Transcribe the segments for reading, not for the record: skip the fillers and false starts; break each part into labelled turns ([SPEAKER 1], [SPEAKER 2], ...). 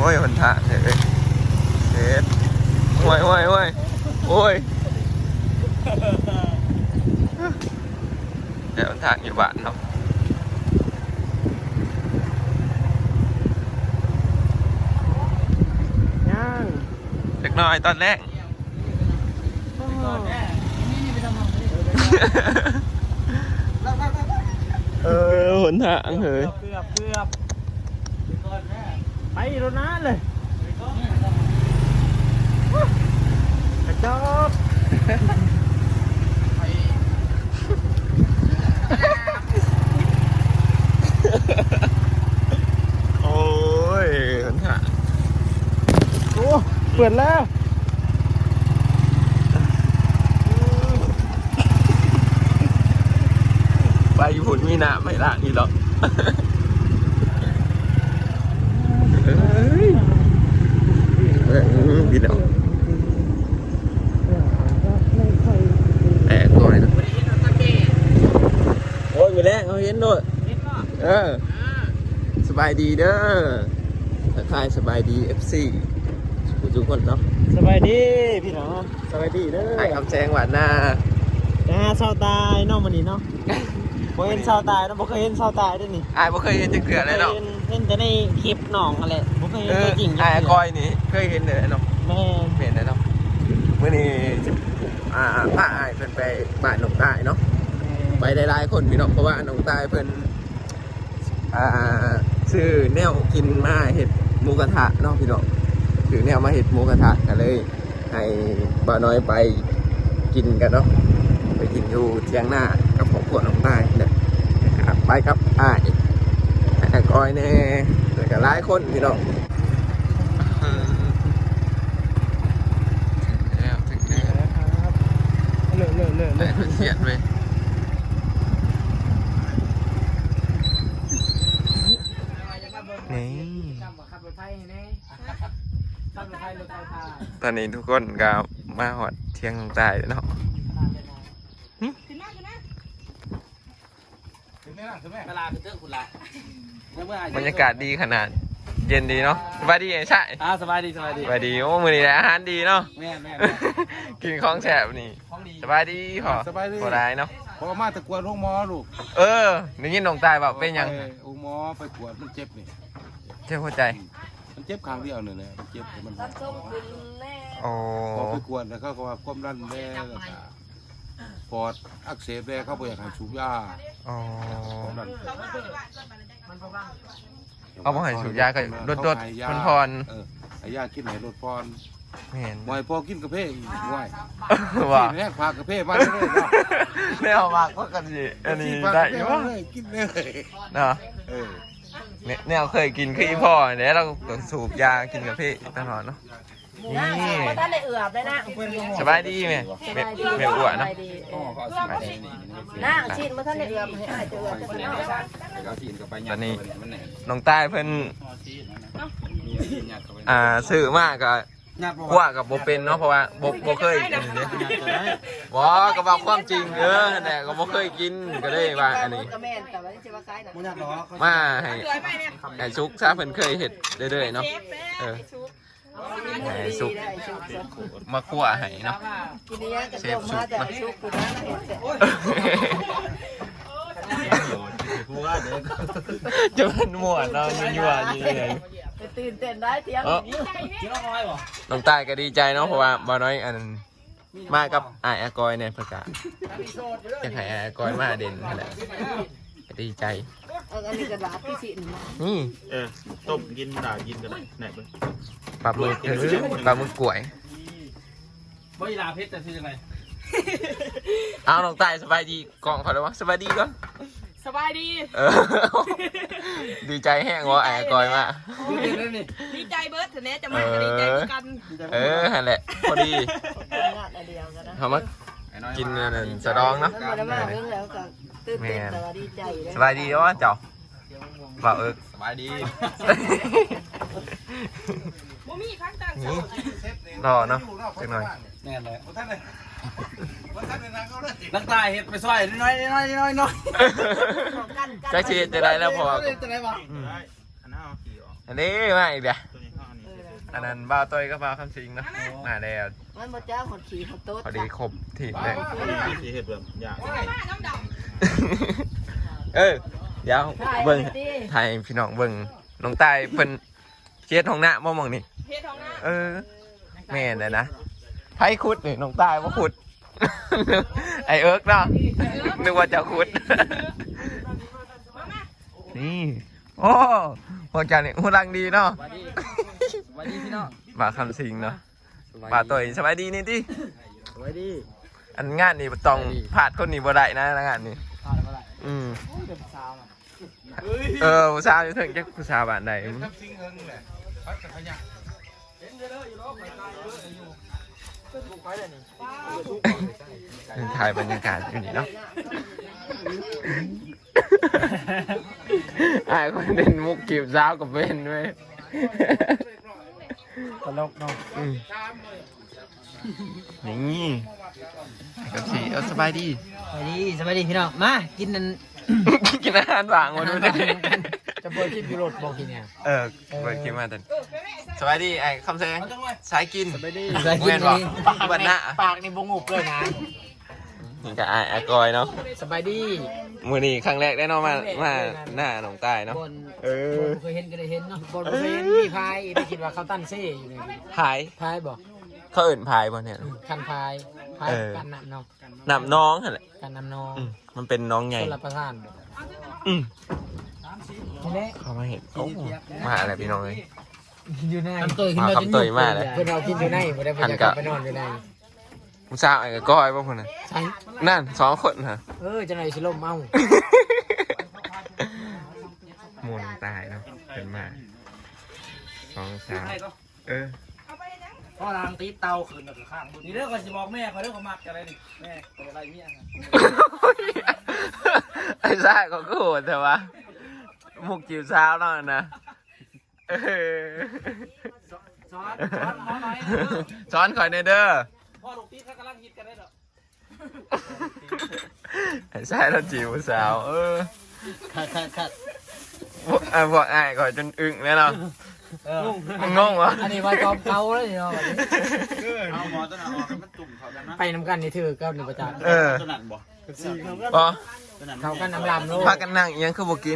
[SPEAKER 1] อ้ยหนทางเฮ้ยเฮ็ดโอ้ยโอ้ยโอ้ยโอ้ยเดี๋ยวหนทางอยู่บ้านเนาะ
[SPEAKER 2] ย่าง
[SPEAKER 1] เล็กน้อยตอนแรกหนทางเฮ้ย
[SPEAKER 2] เกือบไปรถน้าเลยกระจก
[SPEAKER 1] โอ้ยหนทาง
[SPEAKER 2] โอ้เปิดแล้ว
[SPEAKER 1] ไปญี่ปุ่นมีน้ำไม่ละนี่หรอกบินเอาแอบก่อนนะโอ้ยมีแรงเอาเห็นด้วยสบายดีเด้อทักทายสบายดี FC ทุกคนเนาะ
[SPEAKER 2] สบายดีพี่น้องสบายดีเด้อ
[SPEAKER 1] ไอ้คำแซงหวานหน้า
[SPEAKER 2] เศร้าตายเนาะมันนี่เนาะบ่เห็นเศร้าตายนะบ่เคยเห็นเศร้าตายด้วยนี่
[SPEAKER 1] ไอ้บ่เคยเห็นจะเกลือเลยเนาะ
[SPEAKER 2] เห็นแต่ในคลิปน้องอะไรบ่เคยเห็นตัวจริง
[SPEAKER 1] ไอ้ก้อยนี่เคยเห็นเลยเนาะ
[SPEAKER 2] แม่
[SPEAKER 1] เห็นเลยเนาะเมื่อนี้พาไอ้เพิ่นไปบ้านหนองใต้เนาะไปได้หลายคนพี่น้องเพราะว่าหนองใต้เพิ่นซื้อแนวกินมาเห็ดหมูกระทะเนาะพี่น้องซื้อแนวมาเห็ดหมูกระทะกันเลยให้บ่าวน้อยไปกินกันเนาะไปกินอยู่เที่ยงหน้ากับครอบครัวหนองใต้เนี่ยไปครับอ้ายก้อยแน่แล้วก็หลายคนพี่น้องถึงแล้ว
[SPEAKER 2] ครับเลิก
[SPEAKER 1] แต่เขียนไปนี่ตอนนี้ทุกคนก็มาหอดเที่ยงตายเนาะบรรยากาศดีขนาดเย็นดีเนาะสบายดีไงใช่
[SPEAKER 2] สบายดี
[SPEAKER 1] สบายดีโอ้มือนี้อาหารดีเนาะ
[SPEAKER 2] แม่
[SPEAKER 1] กินของแสบนี่สบายดีพอพอได้เนาะ
[SPEAKER 3] พอมาตะกวดห้องหมอลูก
[SPEAKER 1] นี่ยินหนองตายแบบเป็นยัง
[SPEAKER 3] ห้องหมอไปกวดมันเจ็บนี่
[SPEAKER 1] เจ็บหัวใจ
[SPEAKER 3] มันเจ็บข้างเดียวเนี่ยมันเจ็บมัน
[SPEAKER 1] โอ้
[SPEAKER 3] พอไปกวดแล้วเขาก็ว่าความดันแน่แล้วก็ปอดอักเสบแน่เขาบอกอยากให้สูบยา
[SPEAKER 1] อ๋อ
[SPEAKER 3] ความดัน
[SPEAKER 1] เอามาให้สูบยาก็ลดพร
[SPEAKER 3] ไอ้ยากินไหนลดพร
[SPEAKER 1] ไม่เห็น
[SPEAKER 3] มวยพอกินกระเพาะอีกง่าย
[SPEAKER 1] ว่า
[SPEAKER 3] แม่พากระเพาะมาเลย
[SPEAKER 1] แนวมากก็กันสิอันนี้ได้อยู่วะ
[SPEAKER 3] กินเลย
[SPEAKER 1] เนาะแนวเคยกินคืออีพ่อเนี่ยเราสูบยากินกับพี่ตลอดเนาะนี่
[SPEAKER 4] ท่านได้เอือบเลยนะ
[SPEAKER 1] สบายดีไหมเมียอ้วนเนาะ
[SPEAKER 4] นะชินมาท่านได้เอือบให้อายจะเอือบจะเนาะ
[SPEAKER 1] ตอนนี้น้องใต้เพิ่นซื้อมากกับกว่ากับโบเป็นเนาะเพราะว่าโบเคยกินเนี่ยบอกก็บอกความจริงแต่ก็โบเคยกินก็ได้ว่าอันนี้มาให้ซุกซาเพิ่นเคยเห็ดเรื่อยๆเนาะให้ซุกมาคั่วให้เนาะเชฟซุกเนาะจะเป็นหมวดเนาะยั่วๆนี่เลย
[SPEAKER 4] ตื่นเต้นได้เที่ยง
[SPEAKER 1] น้องตายก็ดีใจเนาะเพราะว่าบ่น้อยอันมากับอากอยเนี่ยประกาศจะให้อากอยมาเด่นขนาดดีใจ
[SPEAKER 4] อันนี้กระดาษพี่สิน
[SPEAKER 1] นี่
[SPEAKER 2] ต้มกินด่ากินกันไหนไป
[SPEAKER 1] ปลาหมึกกล้วย
[SPEAKER 2] บ่ลาเพชรจะซื้อยังไง
[SPEAKER 1] เอาน้องตายสบายดีกล่องเขาเลยวะสบายดีก่อน
[SPEAKER 4] สบายดี
[SPEAKER 1] ดีใจแห้งวะไอ้กอยมา
[SPEAKER 4] ดีใจเบิร์ดเถอะเนี่ยจะมาดีใจกัน
[SPEAKER 1] นั่นแหละพอดีเขามากินสะดองเนาะสบายดีวะเจ้าบ่าวสบายดีนี่รอเนาะจังหน่อย
[SPEAKER 2] แน่เลยนักตายเห็ดไปซอยน้อย
[SPEAKER 1] จะชีจะได้แล้วพออันนี้มาอีกเดี๋ยวอันนั้นบ่าวต้อยก็บ่าวคำสิงเนาะมาแล้ว
[SPEAKER 4] มันบ่จ้าหดขี่หดโต๊ด
[SPEAKER 1] พอดีครบทีมเลย
[SPEAKER 3] สีเห็ดแบบอย่าง
[SPEAKER 1] เดี๋ยวเบิ่งไทยพี่น้องเบิ่งน้องตายเพิ่นเช็ดห้องหน้าบ่มองนี่แม่นเลยนะไผขุดนี่น้องตายบ่ขุด ไอเอิร์กเนาะนึกว่าจะขุด นี่โอ้พวกจันนี่หูรังดีเนาะ
[SPEAKER 2] สวัสดีพี่น้อง
[SPEAKER 1] มาคำสิงเนาะมาตัวสบายดีนี่ติ
[SPEAKER 2] สวัสดี
[SPEAKER 1] อันงานนี่ต้องพลาดคนนี้บ่ได้นะงานนี้
[SPEAKER 2] พาอะไรมาได้
[SPEAKER 1] เป็น
[SPEAKER 2] สาวอ่ะ
[SPEAKER 1] ผู้สาวอยู่ถึงจักผู้สาวบ้านใด
[SPEAKER 3] ทับซิงเฮิงแหละพัดกับขยะ
[SPEAKER 1] ถ่ายบรรยากาศอยู่นี่เนาะ ไอ้คนเด่นมุกกีบสาวกับเบนด้วย
[SPEAKER 2] ตลกเนาะ
[SPEAKER 1] นี่กับสีสบายดี
[SPEAKER 2] สวัสดีพี่น้องมากินนั่น
[SPEAKER 1] กินอาหารหวานมาดูดิ
[SPEAKER 2] จะเปิดคลิปยูโรดบอกกินเนี่ย
[SPEAKER 1] เปิดกินมาแต่สบายดีไอ้คำแสงสายกิน
[SPEAKER 2] ใส่กิน
[SPEAKER 1] แม่น
[SPEAKER 2] นี่
[SPEAKER 1] บ่บัดหน้า
[SPEAKER 2] ปากนี่บงุบเลยนะ
[SPEAKER 1] นี่กับไอ้กอยเนาะ
[SPEAKER 2] สบายดี
[SPEAKER 1] มือนี้ครั้งแรกได้เนาะมาหน้าหนองใต้เนาะ
[SPEAKER 2] บนเคยเห็นก็ได้เห็นเนาะบนเคยเห็นมีพายไปคิดว่าเขาตั้นเซ่อยู่เลย
[SPEAKER 1] พาย
[SPEAKER 2] พายบอก
[SPEAKER 1] เขาเอื่นพายบ่เนี่ย
[SPEAKER 2] คันพายกันนำเนาะ
[SPEAKER 1] นำน้องหั่นแหละ
[SPEAKER 2] กันนำน้อง
[SPEAKER 1] มันเป็นน้องใหญ่
[SPEAKER 2] คนละประทาน
[SPEAKER 1] อืม
[SPEAKER 2] ทีนี้
[SPEAKER 1] เขามาเห็นโอ้มาอะไรพี่น้องเลย
[SPEAKER 2] อยู่ในคำเตยขึ้นมาจน
[SPEAKER 1] คำเตยมากเลย
[SPEAKER 2] เพื่อนเรากินอยู่ในไม่ได้ไปจะกลับไปนอนอยู่ใน
[SPEAKER 1] มุสาวไอ้ก้อยป่ะคนน่ะ
[SPEAKER 2] ใช่
[SPEAKER 1] นั่น2 คนฮะ
[SPEAKER 2] จะไหนสิลมเมา
[SPEAKER 1] มูลตายเนาะเป็นมา2 3
[SPEAKER 2] พ่อนางตีเตาขึ้นแบบข้างนี่เรื่องก็จะบอกแม่เขาเรื่องของมักอะไรนี่แม่เป็นอะไรเมีย
[SPEAKER 1] ไอ้ซ่าก็โหดแต่ว่ามุกจิ๋วเช้าเนาะนะซ้อนข่อยในเด้อ
[SPEAKER 2] พ่อลูกตีเขากำลังฮิตกันได้หรอ
[SPEAKER 1] ไอ้ซ่าเราจิ๋วสาว
[SPEAKER 2] คัด
[SPEAKER 1] พวกไอ้ข่อยจนอึ้งแล้วเนาะงงวะ
[SPEAKER 2] อันนี้ว่าจอมเก่าเลยเนาะ
[SPEAKER 3] เอาหมอต้นหอมมันตุ่มเขากันนะ
[SPEAKER 2] ไปน้ำกันนี่ถือก็หนึ่งประจักษ์
[SPEAKER 3] ต้นนั้นบ่
[SPEAKER 1] พอ
[SPEAKER 2] เขากันน้ำลำโลก
[SPEAKER 1] พากันนั่งเอียงคือบ่กิน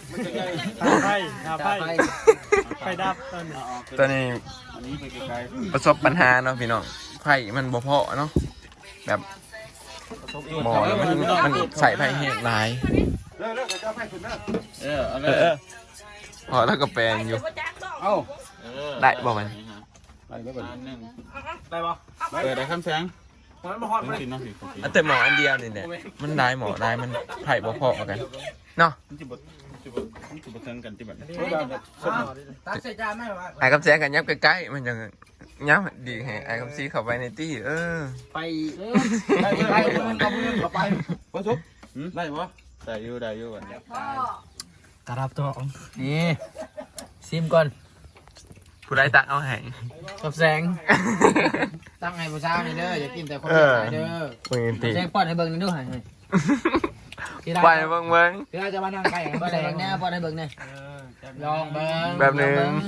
[SPEAKER 2] ไปดับต้น
[SPEAKER 1] ตอนนี้
[SPEAKER 3] อันนี้ไปไกล
[SPEAKER 1] ประสบปัญหาเนาะพี่น้องไผ่มันบ่พอเนาะแบบหมอมันใส่ไผ่แห้งหลาย
[SPEAKER 3] ๆเลิกจะให้คุณนะเอาเล
[SPEAKER 1] เออพอแล้วก็แปลงอยู่
[SPEAKER 3] เอา
[SPEAKER 1] ได้บ่มัน
[SPEAKER 3] ไปแล้วก่อนนึง
[SPEAKER 2] ได้ปะ
[SPEAKER 3] ได้คำแสง
[SPEAKER 2] มันมาฮอด
[SPEAKER 3] มันสิเนาะสิ
[SPEAKER 1] แต่หมออันเดียวนี่แหละมันได้หมอได้มันไผ่บ่พอกันเนาะ
[SPEAKER 3] มันสิบ่เทิงกันที่บัด
[SPEAKER 2] ตักใส่จานไหมวะ
[SPEAKER 1] ไอ้คำแสงกันยับใกล้ๆมันจะยับดีให้ไอ้คำซีเข้าไปในตี้
[SPEAKER 2] ไปไปมันก็มือเข้าไป
[SPEAKER 3] บ่ทุบได้บ่ได้อยู่บัด
[SPEAKER 2] กระดับตัวนี่ซิมก่อน
[SPEAKER 1] ผู้ใดตักเอาให้
[SPEAKER 2] กับแสงตั้งให้ผู้สาวนี่เด้ออย่ากินแต่คนขายเด้อ
[SPEAKER 1] มึงตี
[SPEAKER 2] แสงป้อนให้เบิ่งนี่ด้วย
[SPEAKER 1] ไปเบิ่ง
[SPEAKER 2] เดี๋ยวจะมานั่งไก่ป้อนให้เบิ่งแน่ป้อนให้เบิ่งแน่ลองเบิ่ง
[SPEAKER 1] แบบนึง
[SPEAKER 2] ลอง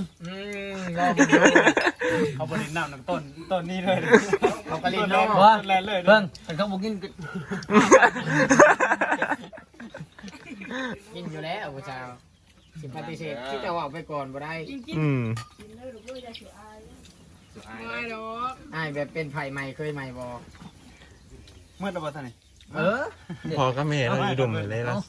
[SPEAKER 2] เขาบริณน้ำต้นนี้เลยเขากระลินน้ำเบิ่งเขาบอกกินกินอยู่แล้วผู้สาวสิปฏิเสธที่จะออกไปก่อนบ่ได้ ไอ้แบบเป็นไผ่ใหม่เคยใหม่บ่
[SPEAKER 3] เมื่อตะบ่ท่านนี่
[SPEAKER 1] พอก็ไม่เห็นเราอยู่ดมเลยแล้ว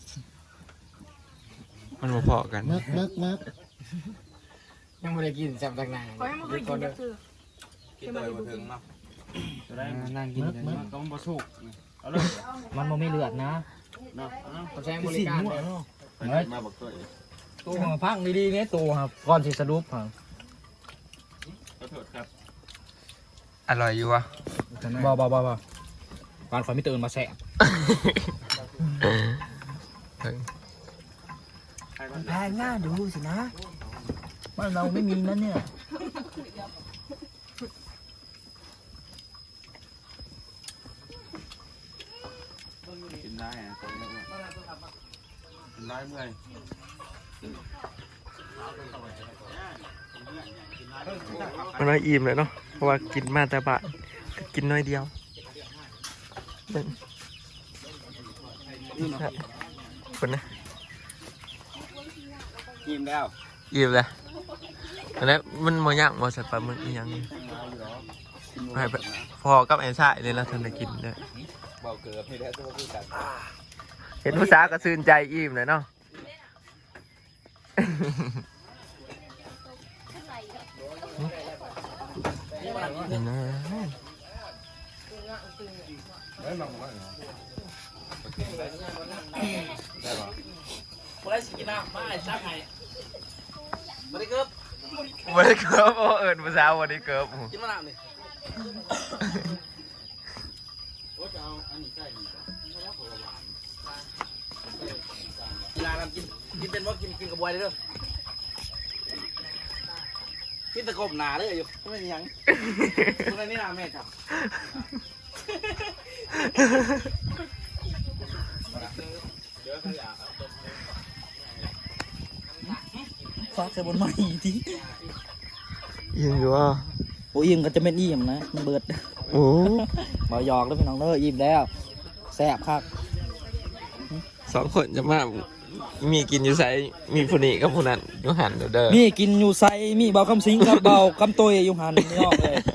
[SPEAKER 1] มันบ่พอกัน
[SPEAKER 2] มึกยังไม่ได้กินแซ่บต่างหน้า
[SPEAKER 4] ขอให้มันเคยกินจะคือ
[SPEAKER 3] กินเลยบ่ถึงเนาะ
[SPEAKER 2] นั่งกิน
[SPEAKER 3] มันต้องบ่สุกเอาเลย
[SPEAKER 2] มันบ่มีเลือดนะ
[SPEAKER 3] เนาะ
[SPEAKER 2] เขาแซงบริการเลย
[SPEAKER 3] มาบักตัว
[SPEAKER 2] ตัวของพักดีๆเนี่ยตัวครับก่อนสิสรุปครับ
[SPEAKER 3] ขอโทษครับ
[SPEAKER 1] อร่อยอยู่วะ
[SPEAKER 2] บ่บ้านข่อยไม่ตื่นมาแสบแพงหน้าดูสินะบ้านเราไม่มีนั่นเนี่ย
[SPEAKER 3] กินได้อะกินได้เมื่อย
[SPEAKER 1] มันน้อยอิ่มเลยเนาะเพราะว่ากินมาแต่บะกินน้อยเดียวคนนะ
[SPEAKER 2] ยิ้มแล้ว
[SPEAKER 1] อิ่มเลยแล้วมันโมย่างโมสัตว์ปลาหมึกยังพอกับไอ้ชายเลยแล้วท่านได้กินเลยเห็นผู้สาวก็ซื่นใจอิ่มเลยเนาะ
[SPEAKER 2] บ่ได้สิกินน้ำมาไอ้ซักไงบ่ได้เกิบ
[SPEAKER 1] วันนี้เกิร์ฟเอิญภาษาวันนี้เกิร์ฟ
[SPEAKER 2] กินมะนาวนี่กีฬาทำกินเป็นว่ากินกระบวยได้เด้อกินตะกบหนาเลยอยู่ไม่มียังตรงนี้นะแม่ครับฟาดใส่บนไม้ที
[SPEAKER 1] ยิงอยู่อ่ะ
[SPEAKER 2] โอ้ยิ้มก็จะเป็นยิ้มนะมันเบิด
[SPEAKER 1] โอ้
[SPEAKER 2] บ่หยอกแล้วพี่น้องเด้อยิ้มแล้วแซ่บครับ
[SPEAKER 1] 2 คนจะมามีกินอยู่ใส่มีผู้นี้กับผู้นั้นอยู่หันเด้อ
[SPEAKER 2] มีกินอยู่ไซมีเบาคำสิงกับเบาคำโตยอยู่หันนี่ออกเลย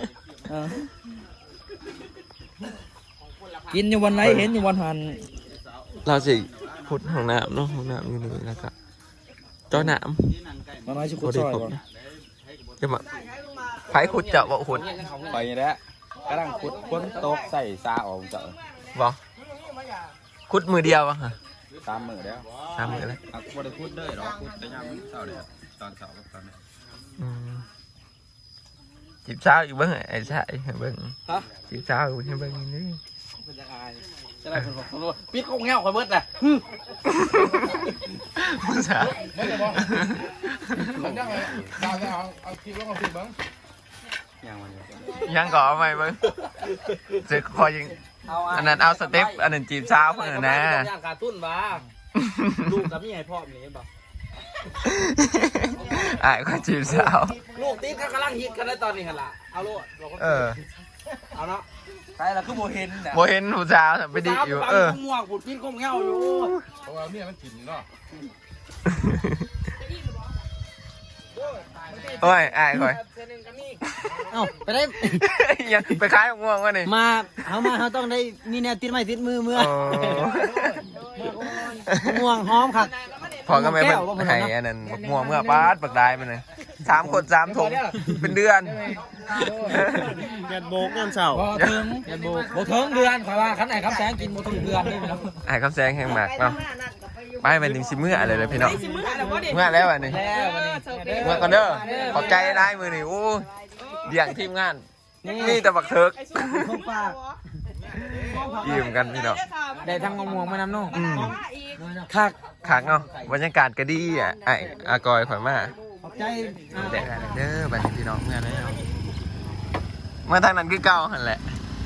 [SPEAKER 2] กินอยู่วันไหนเห็นอยู่วันหัน
[SPEAKER 1] เราสิพุดห้องน้ำเนาะห้องน้ำอยู่นี่แล้วก็เจ้าน้ำ
[SPEAKER 2] วันไหนชิคุ
[SPEAKER 1] บ่
[SPEAKER 2] ด
[SPEAKER 1] ได้
[SPEAKER 2] ซอย
[SPEAKER 1] ครบ
[SPEAKER 2] ก่อน
[SPEAKER 1] นะจะมาไผขุดเจาะบ่ขุด
[SPEAKER 3] ไปนี่แหละกำลังขุดค้นโต๊ะใส่ซาออกเจาะ
[SPEAKER 1] บ่ขุดมือเดียวอะค่ะ
[SPEAKER 3] ตามมือแล้ว
[SPEAKER 1] ตามมือแล้ว
[SPEAKER 3] อ่ะบ่ได้ขุดเด้อหรอกขุดแต่ยามเช้าเด้อตอนเช้ากับตอนนี้
[SPEAKER 1] จีบสาวอยู่เบิ่งไอ้ชายให้เบิ่ง
[SPEAKER 2] ฮะ
[SPEAKER 1] จีบสาวอยู่ให้เบิ่งนี่
[SPEAKER 2] เป็นยังไงจะได้เป็นของรู้ปิดกงเงาคอยเบิดน่ะ
[SPEAKER 1] ผู้สาว
[SPEAKER 3] มันยังไงเอาคลิปลงเอาคลิปบ้างยังมัน
[SPEAKER 1] ยังก่อเอาใหม่เบิ่งจะคอยยิงอันนั้นเอาสเต็ปอันนั้นจีบสาวเพิ่นน่ะนะ
[SPEAKER 2] ย่างการตุ้นบ้าลูกกับพี่ใหญ่พ่อมีบ่
[SPEAKER 1] อ้ายก็จีบสาว
[SPEAKER 2] ลูกติ๊กเขากำลังฮิตกันในตอนนี้กันล่ะเอาลูก เอาเนาะใช่แล้วคือโบเห็นนะ
[SPEAKER 1] บ่เห็นผู้สาวไปดิอยู่
[SPEAKER 2] ม่วงผุดปิ้นก้มเงาอยู่
[SPEAKER 3] เพราะว่าเมียมันกินเนาะ
[SPEAKER 1] โอ้ยอ้ายคอย
[SPEAKER 4] เอ้าไปได้
[SPEAKER 1] ยังไปขายง่วงวะนี่
[SPEAKER 4] มาเขาต้องได้มีแนวติดไม้ติดมือเมื่อ
[SPEAKER 1] โอ้
[SPEAKER 4] ม่วงหอมครับ
[SPEAKER 1] พอก็ไม่เป็นให้อันนั้นบักม่วงเมื่อปาดบักได้ไปเลย3 คน3 ถุงเป็นเดือน
[SPEAKER 4] เดือนโบกเดือนเสาร์
[SPEAKER 2] บ่ถึงโบถึงเดือนขอว่าขันไหนครับแสงกินโบถึงเดือนนี่ไปแล้ว
[SPEAKER 1] ไอ้คำแซงแห่งหมากเนาะไปเป็นถึงสิเมื่ออะไรเลยพี่น้องเมื่อแล้วอันนี้
[SPEAKER 2] แล้ววันนี้
[SPEAKER 1] เมื่อก่อนเด้อขอบใจได้มือนี่โอ้เดี่ยงทีมงานนี่แต่บักเถิก
[SPEAKER 4] ของฝาก
[SPEAKER 1] ยิ้มกันพี่น้อง
[SPEAKER 2] ได้ทั้งมะม่วงมะน้ำนุ่ง
[SPEAKER 1] คักคักเนาะบรรยากาศก็ดีอ่ะไอ้อากอยข่อยมา
[SPEAKER 4] ขอบใจ
[SPEAKER 1] เด็กเด้อบัดนี้พี่น้องเมื่อแล้วมาทางนั้นคือเก่าหันแหละ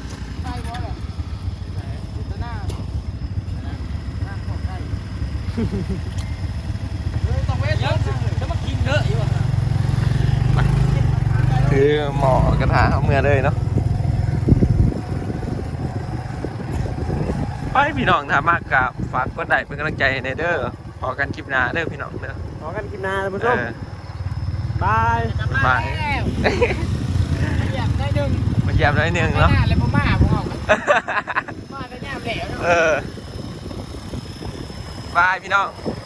[SPEAKER 2] จะมากินเยอะอยู่
[SPEAKER 1] คือหมอกระทะเอาเมื่อเลยเนาะไปพี่น้องถ้ามากกับฝากกดไลค์เป็นกำลังใจในเด้อพอกันคลิปหน้าเด้อพี่น้องเด้อ
[SPEAKER 4] ขอกันกินนาท่านผู้ชมบาย
[SPEAKER 1] บาย
[SPEAKER 2] อยากได้ดึง
[SPEAKER 1] มาเยี่ยมหน่อยหนึงเนาะ
[SPEAKER 2] แล้วพ่อมาผมออกมาก็ย่ามแล้ว
[SPEAKER 1] บายพี่น้อง